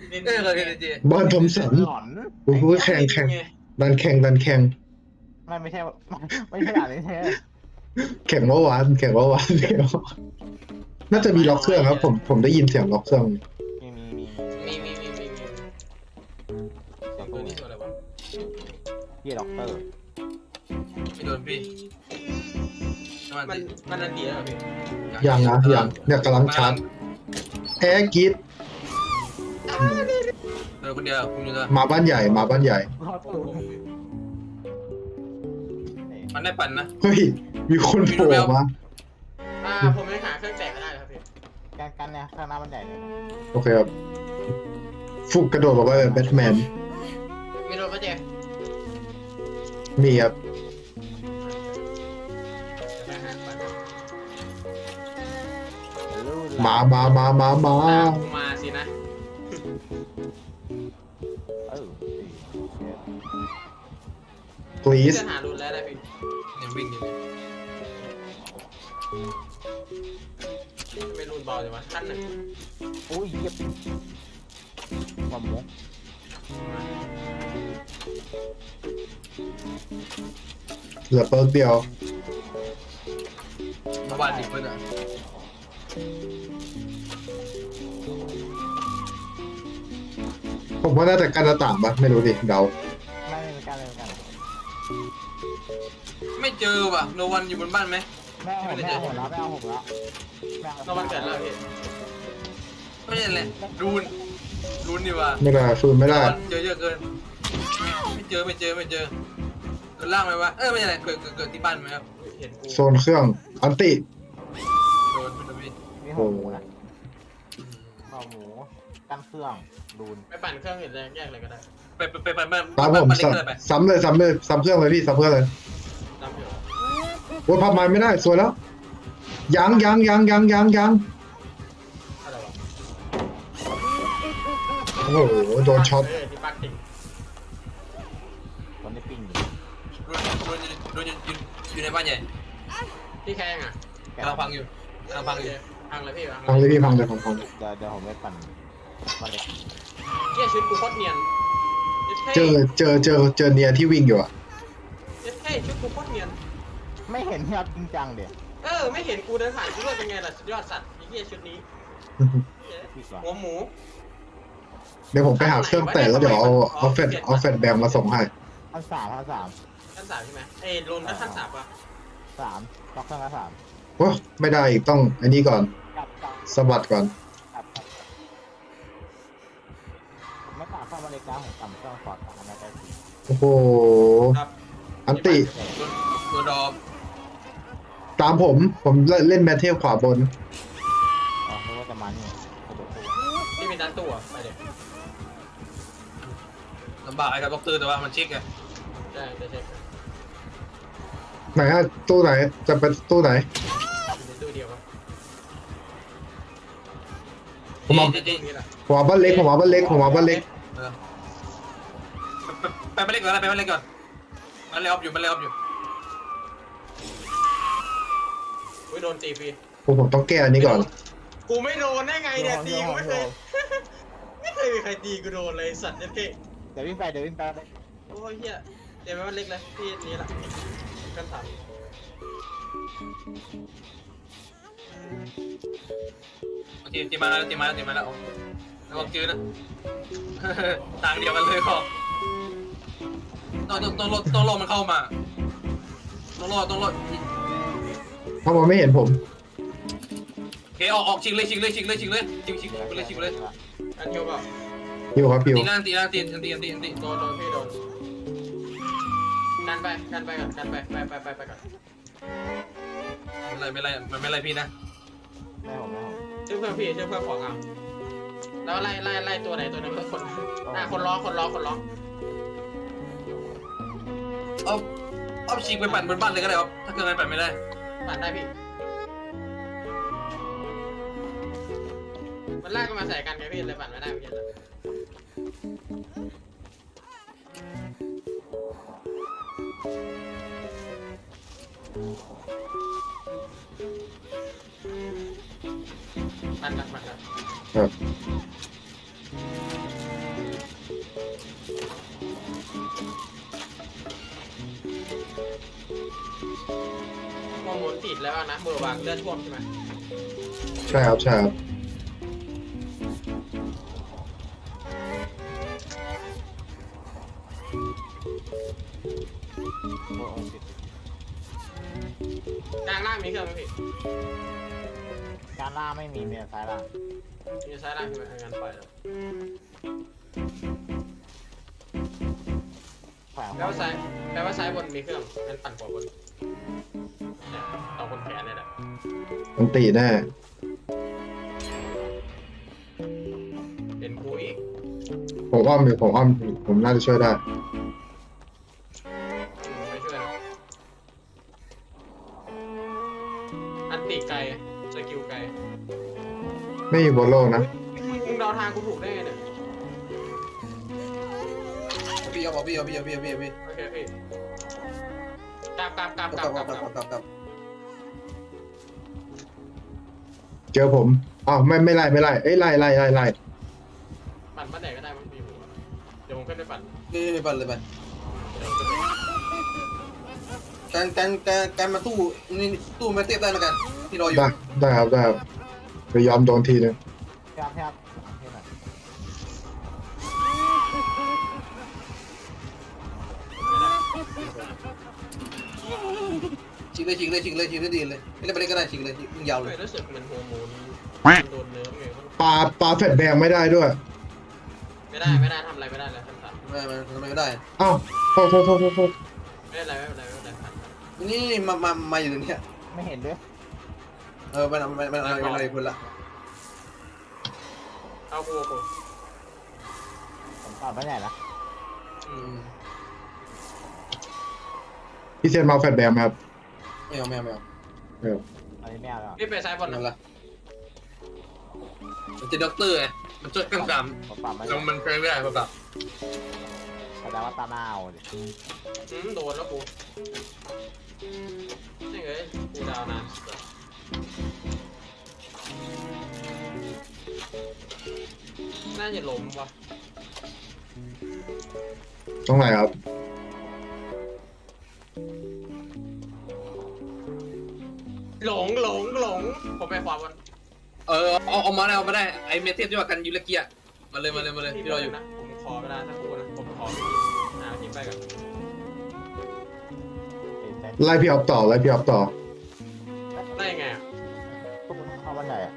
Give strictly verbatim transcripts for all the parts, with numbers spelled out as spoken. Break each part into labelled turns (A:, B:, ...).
A: เล่น
B: เออเลยจี
C: บอลทอมสัน
D: หลอน
C: โอ้โหแข่งแข่งดันแข่งดันแข่ง
D: ไม่ไม่ใช่ไม่ใช่ด่านนี้ใช่
C: แข่งเมื่อวานแข่งเมื่อวานเดียวน่าจะมีล็อกเครื่องครับผมผมได้ยินเสียงล็อกเครื่อง
D: มีมีมี
B: มีมีมีมีมี
D: เสียง
B: ตั
D: ตู้
B: วนี้ตัวอะไรวะ
D: พี่ด็อกเตอร์
B: ไม่โดนพี่มัน
A: มันมันอันเดียวเหรอพี่
C: ยังนะยังเนี่ยกำลังชาร์จแอร์กิด
B: เออคนเดียวคุณอยู่ตัว
C: มาบ้านใหญ่มาบ้านใหญ่
D: รอดตู้
B: มันได้ปั่นนะ
C: เฮ้ยมีคนโผล่มา
A: อ่าผมยังหาเครื่องแตกไม่ได้เลยครับพี่
D: การกันเนี่ยข้างหน้ามันใหญ่เลย
C: โอเคครับฟุกกระโดดลงไปแบบแบทแมน
A: ไม่โดนก็เจ๊
C: มีครับ
A: ไปหาไป
C: มามามามามา
A: ตามกูมาสินะ
D: เออ
C: please
A: จะหารุนแล้วได้พี่
B: เนี่ยวิ่งอยู่
A: ไม่รุนเบาเลยวะขั้นหนึ่ง
D: โอ้ยเย็บความหมู
C: เหลือเปิร์กเดียว
B: เมื่อวานดิเพื่อนอ่ะ
C: ผมว่าน่าจะการหน้าต่างปะไม่รู้ดิเดา
D: ไม่ไม่การเลยกัน
B: ไม่เจอว่ะโนวันอยู่บนบ้านไหม
D: ไม่เอาผมไม่เอาผมแล้วไม่เอาผมแล้ว
A: เราวันเกิดแล้วพี่
B: ไม่ใช่แหละรูนรูนดีว่า
C: ไม่ได้ฟืนไม่ได้
B: เจอเยอะเกินไม่เจอไม่เจอไม่เจอเกิดล่างไหมวะเออไม่ใช่เกิดเกิดที่บ้านไหมครับ
A: เห็นกู
C: โซนเครื่องอันติ
B: โดนโดนพี่
D: มีหัวหมูนะหัวหมูกันเครื่องรูน
A: ไปปั่นเครื่องอื่นเลยแยกเลยก็ได้
B: ไปไปไปไป
C: ตามผม
B: เล็กเลยไป
C: ซ้ำเลยซ้ำเลยซ้ำเครื่องเลยพี่ซ้ำเครื่องเลย
A: ตามเดี๋ยว
C: โอ้ยพับไม้ไม่ได้สวยแล้วยังยังยังยังยังยัง
A: อะไรวะ
C: โอ้โหโดนช็อต
A: เออที่ปักติ่ง
D: ตอนนี้ปิ้งอยู่
B: รูนรูนรูนอยู่อยู่ในบ้านใหญ่
A: พี่แข้งอ่ะ
B: กำลังพังอยู่กำลังพังอยู่
A: พังเลยพี่
C: พังเลยพี่พังเลยพังพัง
D: เดี๋ยวเดี๋ยวผมไปปั่นมาเล็ก
A: เที่ยชุดกูโคตรเนียน
C: เจอเจอเจอเจอเนียที่วิ่งอยู่อะ
A: เจ็ดเท่ชุดกูโคตรเนียน
D: ไม่เห็นที่รับจริงจังเดี๋ยว
A: เออไม่เห็นกูเดินผ่านกูด้วยเป็นไงล่ะสุดยอดสัตว์ไอ้เหี้ยชุดนี้
D: พี่ก่อน
A: หัวหมู
C: เดี๋ยวผมไปหาเครื่องแต่แล้วเดี๋ยวเอาเอาแฟดเอาแฟดแบงมาส่งให้
D: ขั้นสามขั้นสาม
A: ขั้นสามใช่ไหมเอ้ยลงก็ขั้นสามป่ะ
D: สามล็อกเครื่องละสาม
C: โอ้ไม่ได้อีกต้องอันนี้ก่อน
D: กลับกลับ
C: สะบัดก่อน
D: กลับกลับผมไม่ต่างเข้ามาเล็กนะผมต่ำเครื่องฟอร์ดอันนั้นได้สิ
C: โอ้โห
A: ครับ
C: อันติ
B: ตัวดอม
C: ตามผมผมเล่นแมทเทลขวาบน
D: อ๋อนึกว่าจะมานี่กระโดดตัว
A: ที่เป็นด้านตัวไปเดี๋ยว
B: ลำบากไอ้กับด็อกเตอร์แต่ว่ามันเช็คไง
A: ได้จะเช็ค
C: ไหนอะตู้ไหนจะเป็นตู้ไหน
A: ในตู้เดียวครับ
C: ผมเอา
B: จริง
A: นี่แหละ
C: ผมเอาบ้านเล็กผมเอาบ้านเล็กผมเอาบ้านเล็ก
B: ไปไปเล็กก่อนไปไปเล็กก่อนมันเลยออฟอยู่มันเลยออฟอยู่
A: อุ้ยโดนตีฟรี
C: ผมผมต้องแก้อันนี้ก่อน
A: กูไม่โดนได้ไงเนี่ยตีกูไม่เคยไม่เคยมีใครตีกูโดนเลยสัตว์เจ็ดเท่
D: เดี๋ยววิ่งไปเดี๋ยววิ่งไปเลย
A: โอ้ยเหี้ยเดี๋ยวมันเล็กเลยที่นี้ละขั้นสาม
B: ตีตีมาแล้วตีมาแล้วตีมาแล้วแล้วก็จืดนะต่างเดียวกันเลยขอบต้องต้องต้องรอต้องรอมันเข้ามาต้องรอต้องรอ
C: เพราะมันไม่เห็นผม
B: โอเคออกออกชิงเลยชิงเลยชิงเลยชิงเลยชิงชิงไปเลยชิงไปเลย
A: อันเดียวเปล่า
C: พิวครับพิว
B: ตีล่างตีล่างตีตีตีตีตี
A: โดนโดนพี่โดนกันไปกันไปก่อนกันไปไปไปไปไปก่อน
B: ไม่ไรไม่ไรมันไม่ไรพี่นะ
D: ไม่ผมไม่ผม
A: ชื่อเพื่อนพี่ชื่อเพื่อนของเอาแล้วไล่ไล่ไล่ตัวไหนตัวนึงคนอ่าคนร้องคนร้องคนร้อง
B: เอาเอาชิงไปปั่นบนบ้านเลยก็ได้ครับถ้าเกิดมันปั่นไม่ได้
A: ปั่นได้พี่มันลากก็มาใส่กันไงพี่เลยปั่นไม่ได้เมื่อกี้ปั่นกันปั่นกัน
C: ครับ
A: ดแล้วนะมือวางเลือดท่วมใช่ไหม
C: ใช่ครับใช่ครับ
D: โอ้โหติด
A: กลางล่างมีเครื่องไหมพี่
D: การล่างไม่มีเมียซ้ายล่าง
A: มีซ้ายล่างใช่ไหมงั้นปล่อยแล้ว
D: แขวน
A: แปลว่าซ้ายแปลว่าซ้ายบนมีเครื่องงั้นปั่นขวาบนเนี่ยเอาคนแขนเนี่ยแหละ
C: มันตีแน่
A: เป็นกูอีก
C: ผมอ้อมอยู่ผมอ้อมอยู่ผมน่าจะช่วยได้
A: ไม่ช่วยนะอันติไกลสกิลไกล
C: ไม่อยู่บนโลกนะ
A: มึงเดาทางกูถูกได้ไงเนี่ย
B: พี่เอาพี่เอาพี่เอาพี่เอาพี่เอาพี่
A: โอเคพี่กลับกลับกลับ
B: ก
A: ก
B: ลั
A: ลั
B: บบ ก
A: ก
B: ลั
A: ลั
B: บบ กลับกลับกลับ
C: เจอผมอ้าวไม่ไม่ไล่ไม่ไล่เอ้ยไล่ไล่ไล่ไล่
A: ปั่นบ้านไหนก็ได้มั้งมีหัวเดี๋ยวผมขึ้นไปปั่น
B: นี่ไปปั่นเลยไป
A: เดี๋ยวผมขึ้นไป
B: การการการการมาตู้นี่ตู้มาเทียบได้แล้วกันที่รออยู่
C: ได้ได้ครับได้ครับไปยอมโดนทีนึง
D: พี่ครับพี่ครับพี่หน่อย
B: ชิงเลยชิงเลยชิงเลยชิงเลยดีเลยไม่ได้ไปเล่นก็ได้ชิงเลยยิงยาว
A: ไม่
B: เลย
A: รู้สึกเหมือนโฮอร์โมนโดนเนื้อไง
C: ปลาปลาแฟดแบงไม่ได้ด้วย
A: ไม่ได้ไม่ได้ทำอะไรไม่ได้เลยท่านสัตว์
B: ไม่ไม่ไม่ได้
C: อ้าวโทษโทษโทษโทษโทษ
A: ไม่ได้อะไรไม่เป็นไรไม่เป็นไรผ่าน
B: นี่มามามาอยู่ตรงนี้
D: ไม่เห็นด้วย
B: เออมันมันมันอะไรอะไรคนละ
A: เอากูกู
D: ผมตอบไม่ใหญ่ละ
A: อืม
C: พี่เซนมาเอาแฟดแบงไหมครับ
B: ไม่เอาไม่เอาไม่เอา
C: เออ
D: อันนี้ไม่เอาแล้ว
A: พี่ไปซ้ายบน
B: นั่น
A: นะ
B: ละมันจะด็อกเตอร์ไงมันช่วยเครื่องด
D: ผมตอบไม่
B: ำ
D: ใหญ่
B: มันมันเครื่องไม่ได้ป่ะป่ะ
D: แสดงว่าตาหน้าเอาดิ
A: อืมโดนแล้วกูนี่ไงกูดาวนานน่าจะล้มว่ะ
C: ตรงไหนครับ
A: หลงหลงหลงผมไปขวาบน
B: เออเอาเอามาได้เอามาได้ไอเมเทสที่ว่ากันยูเลเกียมาเลยมาเลยมาเลยที่เราอยู่
A: นะผมขอเวลาสักครู่นะผมขอไปหาทีมไปก่อน
D: ติดใจ
C: ไล่พี่ออฟต่อไล่พี่ออฟต่อ
A: ได้ยังไงอ่ะ
D: พวกมึงเข้าบ้านใหญ่อะ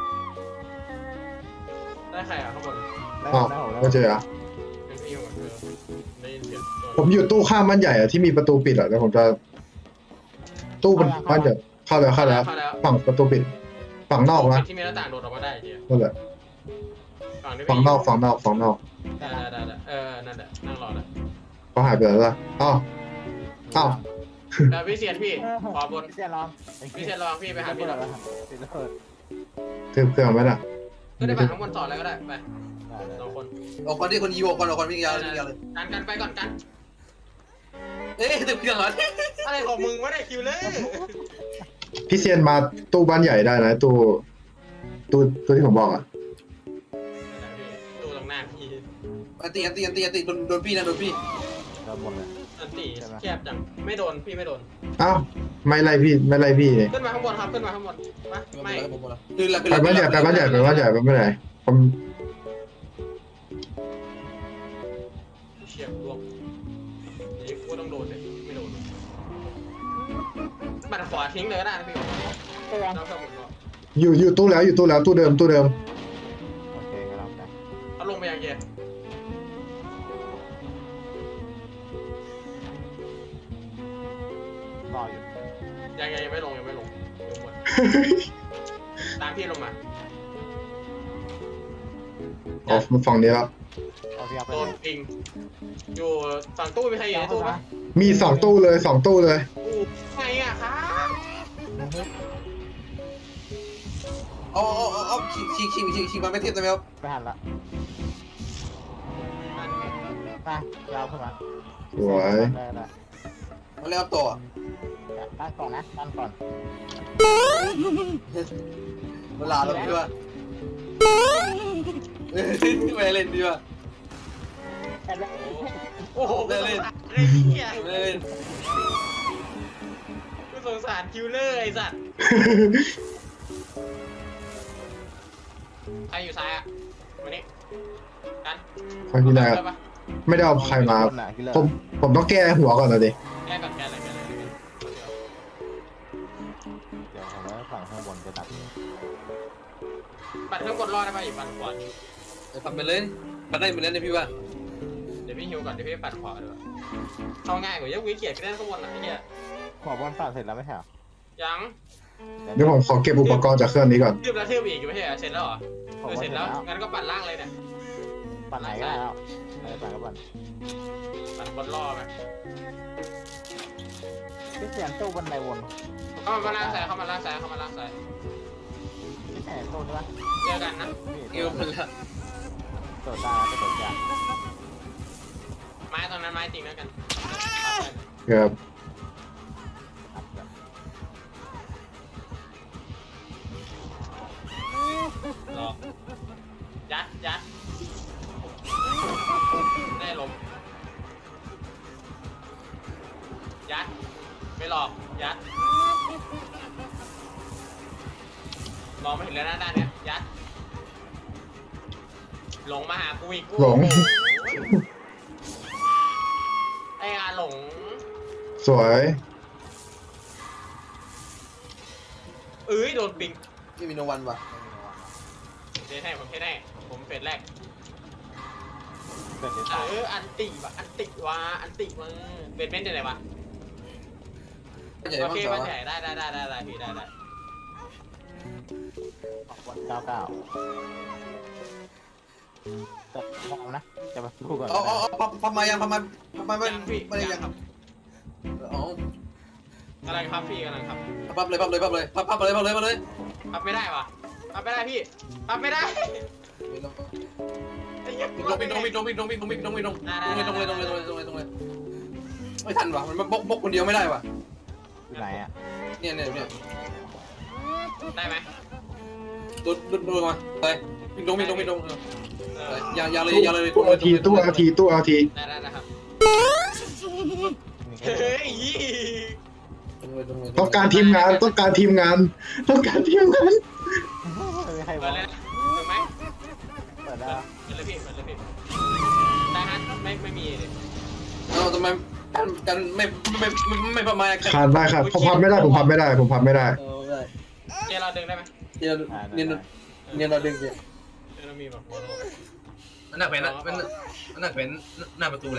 A: ได้ใครอ่ะข้างบน
D: ได้
C: อ้าว
D: ได้ผมได้
C: ไม่เจออ่ะ
A: เป็นพี่ก่อนเธอได้ยินเสียง
C: ผมอยู่ตู้ข้ามบ้านใหญ่อะที่มีประตูปิดอะแล้วผมจะ ตู้มันบ้านใหญ่เข้าแล้วเข้าแล้ว
A: เข้าแล้ว
C: ฝั่งประตูปิด ฝั่งนอกนะ
A: ที่มีหน้าต่างโดดออกมาได้เจีย
C: นั่นแหละ
A: ฝั่งที่
C: ฝั่งนอกฝั่งนอกฝั่งนอก
A: ได้ได้ได้เออนั่นแหละนั่งรอแล้ว
C: เขาหายไปแล้วล่ะอ้าวอ้าว
A: แล้วพี่เซียนพี่ขวาบน
D: พี่เซียนลอง
A: พี่เซียนระวังพี่ไปหาพี่หน่อย
D: ติดระเบิด
C: ถือเครื่องไว้น่ะ
A: ก็ได้ปั่นข้างบนต่อแล้วก็ได้ไป
D: ได้ได้
A: สองคน
B: ออกก่อนที่คนยีออกก่อนออกก่อนวิ่งยาววิ่งยาวเลย
A: กันกันไปก่อนกัน
B: เอ๊ะตึกเครื่องเหรอ
A: อะไรของมึงวะเนี่ยคิวเลย
C: พี่เซียนมาตู้บ้านใหญ่ได้นะตู้ตู้ตู้ที่ผมบอกอะ
A: ดูตรงหน้าพี่
B: อันตีอันตีอันตีอันตีโดนโดนพี่นะโดนพี่
D: โดนหมดเลย
A: อันตีแคบจังไม่โดนพี่ไม่โดน
C: อ้าวไม่ไล่พี่ไม่ไล่พี่นี่
A: ขึ้นมาข้างบนครับขึ้นมาข้างบนมาไม่
B: ผมหมดแล้วคือละ
C: ไปบ้านใหญ่ไปบ้านใหญ่ไปบ้านใหญ่ไปบ้านใหญ่ผม
A: เฉียบรวมนี่กูต้องโดนเลยไม่โดนบัตรขวาทิ้งเลยก็ได้นะพี่
D: เตียง
A: เราสมุนเนาะ
C: อยู่อยู่ตู้แล้วอยู่ตู้แล้วตู้เดิมตู้เดิม
D: โอเคครับได้
A: เขาลงไปยังเย็น
D: รออยู่
A: ยังยังยังไม่ลงยังไม่ลงลงหมดตามพี่ลงมา
C: อ๋อฝั่งนี้แล้ว
D: เอาพี่เอาไป
A: โด
D: เล
A: น
D: ย
A: ปิงอยู่ฝั่งตู้มีใครอยู่ในตู้ปะ
C: มีสองตู้เลยสองตู้เลย
A: อู้ไงอ่ะครับ
B: เอาเอาเอาเอาชิงชิงชิงชิงชิงมาไม่เทียบได้ไหมครับ
D: ไปหันละมายาวขึ้นมา
C: สวย
D: ได้ได้
B: มาเล่นต่อ
D: ตั้งก่อนนะตั้งก่อน
B: เวลาเราดีว่าไม่เล่นดีว่า
A: โอ้โห
B: เล่นเล่น
A: ไอ้เหี้ย
B: เล่น
A: กูสงสารคิวเลอร์ไอ้สัตว์ใครอยู่ซ้ายอ่ะวันนี้กัน
C: ใครที่ไหนครับไม่ได้เอาใครมา
D: คนน่ะคิลเลอร์
C: ผมผมต้องแก้หัวก่อนนะดิ
A: แก้ก่อนแก้เลยแก้เลย
D: เดี๋ยวผมแล้วฝั่งข้างบนจะตัด
A: ปัดเครื่องกดรอดได้ป่ะอีกปัดขวา
B: ปัดไปเลยปัดได้เหมือนนั้นเลยพี่ว่า
A: เดี๋ยวพี่ฮิวก่อนเดี๋ยวพี่ปัดขวาด้วยเข้าง่ายกว่าเยอะวิเกียร์ก็ได้ข้างบนอ่ะไอ้เหี้ย
D: ขอบอลตัดเสร็จแล้วไม่ใช่เหรอ
A: ยัง
C: เดี๋ยวผมขอเก็บอุปกรณ์จากเครื่องนี้ก่อน
A: ทืบแล้วทืบอีกอยู่ไม่ใช่เหรอเสร็จแล้วเหรอ
D: ผ
A: เอ
D: ม
A: อ
D: ว่า
A: เสร็จแล้วงั้นก็ปัดล่างเลยเนี่ย
D: ปั่นไหนก็ได้แล้วอะไรปั่นก็ปั่น
A: ปัดบนรอไป
D: พี่เสียนตู้บันไดวน
A: เข้ามาล่างซ้ายเข้ามาล่างซ้ายเข้ามาล่างซ้าย
D: พี่เสียนตู้ใช่ปะ
A: เจอกันนะ
B: เกี่ยวมันละ
D: ตัวตาจะตัวจ่า
A: ไม้ตรงนั้นไม้จริงแล้วกัน
C: ครับ
A: รอยัดยัดได้ลมยัดไม่หลอกยัดมองไม่เห็นเลยนะด้านเนี้ยยัดหลงมาหากูอีกกู
C: หลง
A: ไอ้อาหลง
C: สวย
A: เอ้ยโดนปิง
B: นี่มีโนวันว่ะ
A: เทให้ผมเทให้ผมเฟสแรก
D: เกิดเดี๋ยว
A: เอ
D: ตาย
A: ออันติวะอันติวะอันติวะเบนเบนจะไหนวะ
B: ใหญ่
A: โอ
B: มาก
A: เค
B: สอ
A: มันใหญ่ได้ได้ได้ได้ได้พี่ได้ได้
D: วันเก้าเก้าแต่พร้อมนะจะมาสู้ก่อน
B: เอาเอาเอาพับพับมายังพับมาพับมาไม่
A: ยังพี่
B: ไม่ได้
A: ยั
B: ยัง ง
A: ครับ
B: อ๋อก
A: ำลังครับพี่กำลังครับ
B: พับเลยพับเลยพับเลยพับพับเลยพับเลยพับเลย
A: พับไม่ได้วะพับไม่ได้พี่พับไม่ได้ไอ้เหี้ย
B: วิ่งลงวิ่งลงวิ่งลงวิ่งลงวิ่งลงวิ่งลงวิ่งลงตรงเลยตรงเลยตรงเลยตรงเลยตรงเลยไม่ทันว่ะมันบกบกคนเดียวไม่ได้ว่ะ
D: อยู่ไหนอ่ะ
B: เนี่ยเนี่ยเนี่ย
A: ได้ไหม
B: ดูดูดูมาไปวิ่งลงวิ่งลงวิ่งลง
A: เออ
B: อย่าอย่าเลยอย่าเลย
C: ตู้เอาทีตู้เอาทีตู้เอาที
A: ได้ได้ได้ครับ
D: มีแค่
A: เฮ้ย
C: ต้องการทีมงานต้องการทีมงาน ต้องการทีมงาน
D: ไม่มีใครบ
A: เปิ
D: อ
A: ด
D: ก
A: เลยนะถูกไหม
D: เปิดได้
A: เปิดเลยพี่เปิดเลยพี่ได้ฮะไม่ไม่มีเลย
B: เราทำไมกันกันไม่ไม่ไม่ไม่ประมาณ
C: ขาดได้ครับผมพับไม่ได้ผมพับไม่ได้ผมพับไม่ได้
B: เออได้
A: เจเราดึงได้ไหม
B: เนี่ยเนี่ยเนี่ยเราดึงเนี่ย
A: เจเรามีแบบโมโน
B: มันหนักเป็นนะมันมันหนักเป็นหน้าประตูเลย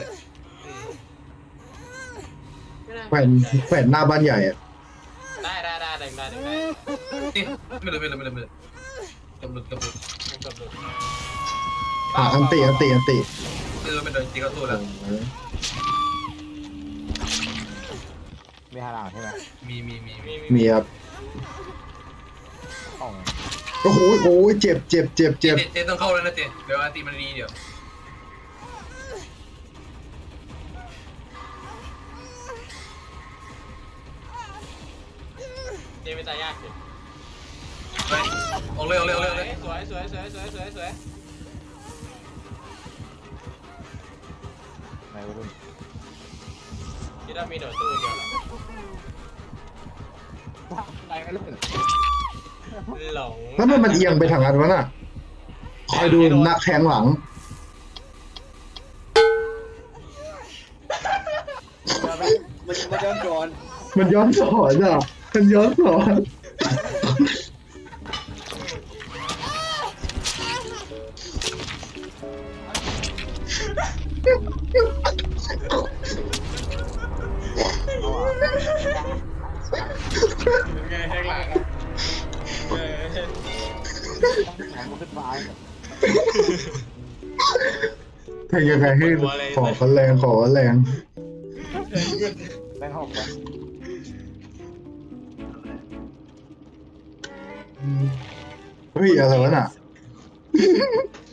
C: แขวนแขวนหน้าบ้านใหญ่อะ
A: ได้ได้ได้ดึงได้ดึงได้
B: นี่ไม่เลยไม่เลยไม่เลยไม่เลยกำลังกำลัง
A: ผมกดดู
C: อ่ะอันติอันติอันติ
B: เออไม่เลยตีเข้าตู้แล้ว
D: มีหาหลังใช่ไหม
B: มีมีมี
A: มี
C: มีครับ
D: ต้อง
C: โอ้โหโอ้โหเจ็บเจ็บเจ็บ
B: เจ
C: เจ็บ
B: เจต้องเข้าแล้วนะเจเดี๋ยวอาตีมันดีเดี๋ยว
A: เจไม่ตายยากสิ
B: ไปออกเลยออกเลยออกเลยออกเลย
A: สวยสวยสวยสวยสวยสวย
D: ในวัยรุ่น
A: คิดว่ามีโดดตู้เดียวเหรอ
D: ในวัยรุ่น
A: หลง
C: แล้วมันมันเอียงไปทางนั้นวะน่ะคอยดูนักแทงหลัง
B: มันมันย้อนก่อน
C: มันย้อนสอนอ่ะมันย้อนสอน
A: ไงแห้งหลัง
D: ของมันขึ้นฟ้า
C: แทงยังไงให้ขอกันแรงขอกันแรง
D: แบงค์หกเลย
C: เฮ้ยอะไรวะน่ะ